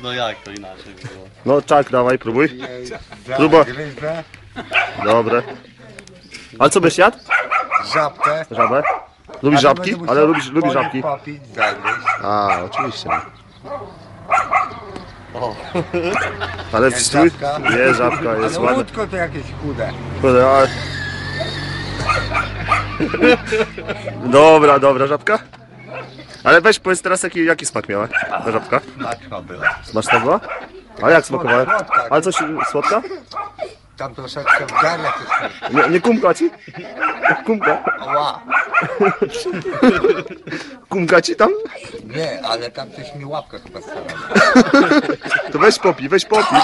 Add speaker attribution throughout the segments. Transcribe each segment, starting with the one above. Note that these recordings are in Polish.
Speaker 1: no jak to inaczej było?
Speaker 2: No czak, dawaj, próbuj. Próba.
Speaker 3: Gryzę,
Speaker 2: Dobre. Ale co byś jadł?
Speaker 3: żabkę.
Speaker 2: Żabę? Lubisz żabki? Ale lubisz żabki?
Speaker 3: Popić, zagryźć.
Speaker 2: A, oczywiście.
Speaker 1: O,
Speaker 2: Ale w
Speaker 3: Jest
Speaker 2: strój?
Speaker 3: żabka.
Speaker 2: Jest żabka, jest
Speaker 3: Ale
Speaker 2: ładna.
Speaker 3: łódko to jakieś chude.
Speaker 2: Kurde, ale... Dobra, dobra, żabka. Ale weź powiedz teraz jaki smak miała ta żabka?
Speaker 3: Smaczna była.
Speaker 2: Smaczna była? A jak smakowała?
Speaker 3: Słodka.
Speaker 2: Ale coś słodka?
Speaker 3: Tam troszeczkę w gardle coś.
Speaker 2: Nie kumka ci? Kumka?
Speaker 3: Ła.
Speaker 2: Kumka ci tam?
Speaker 3: Nie, ale tam coś mi łapkę chyba stara.
Speaker 2: To weź popij, weź popij.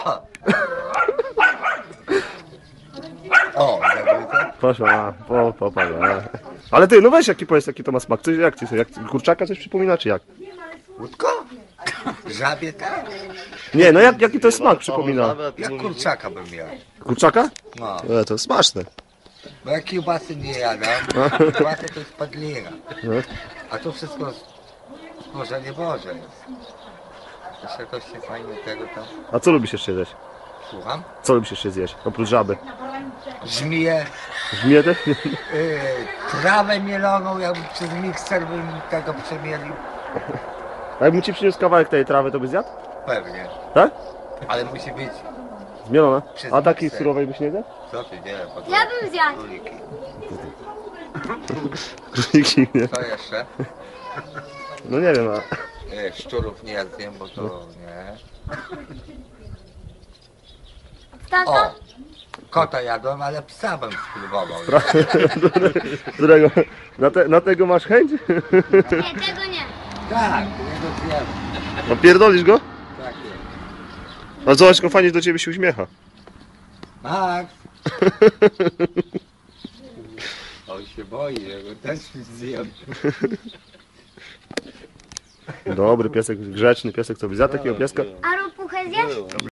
Speaker 3: O, zagryzę.
Speaker 2: Proszę, popatrz. Ale ty, no weź powiedz jaki to ma smak. Coś, jak kurczaka coś przypomina, czy jak?
Speaker 3: Łódko? Żabie tak?
Speaker 2: Nie, no jaki to jest smak przypomina?
Speaker 3: Jak kurczaka bym miał.
Speaker 2: Kurczaka?
Speaker 3: No.
Speaker 2: To jest smaczne.
Speaker 3: Bo ja kiełbasy nie jadam. Kiełbasy to jest padlina.
Speaker 2: No.
Speaker 3: A to wszystko stworzenie Boże jest. Jeszcze coś się fajnie tego tam...
Speaker 2: A co lubisz jeszcze zjeść?
Speaker 3: Słucham?
Speaker 2: Co lubisz jeszcze zjeść? Oprócz żaby.
Speaker 3: Żmiję,
Speaker 2: Żmiję też?
Speaker 3: trawę mieloną, jakby przez mikser bym tego przemielił.
Speaker 2: A jakbym ci przyniósł kawałek tej trawy, to byś zjadł?
Speaker 3: Pewnie.
Speaker 2: Tak?
Speaker 3: Ale musi być...
Speaker 2: Zmielona?
Speaker 3: Przez
Speaker 2: A takiej
Speaker 3: mikser.
Speaker 2: surowej byś nie zjadł?
Speaker 3: Co ty dzieje?
Speaker 4: Ja bym zjadł.
Speaker 3: Króliki.
Speaker 2: Króliki, nie?
Speaker 3: Co jeszcze?
Speaker 2: No nie wiem,
Speaker 3: Szczurów nie zjem, bo to nie.
Speaker 4: Tato?
Speaker 3: O! Kota jadłem, ale psa bym spróbował.
Speaker 2: którego? Na tego masz chęć?
Speaker 4: Nie, tego nie.
Speaker 3: Tak, jego zjem.
Speaker 2: No pierdolisz go?
Speaker 3: Tak jest.
Speaker 2: A zobacz, jak fajnie do ciebie się uśmiecha.
Speaker 3: Max! On się boi, że go też zjem.
Speaker 2: Dobry piesek, grzeczny piesek, co by zjadł takiego pieska?
Speaker 4: A ropuchę zjesz?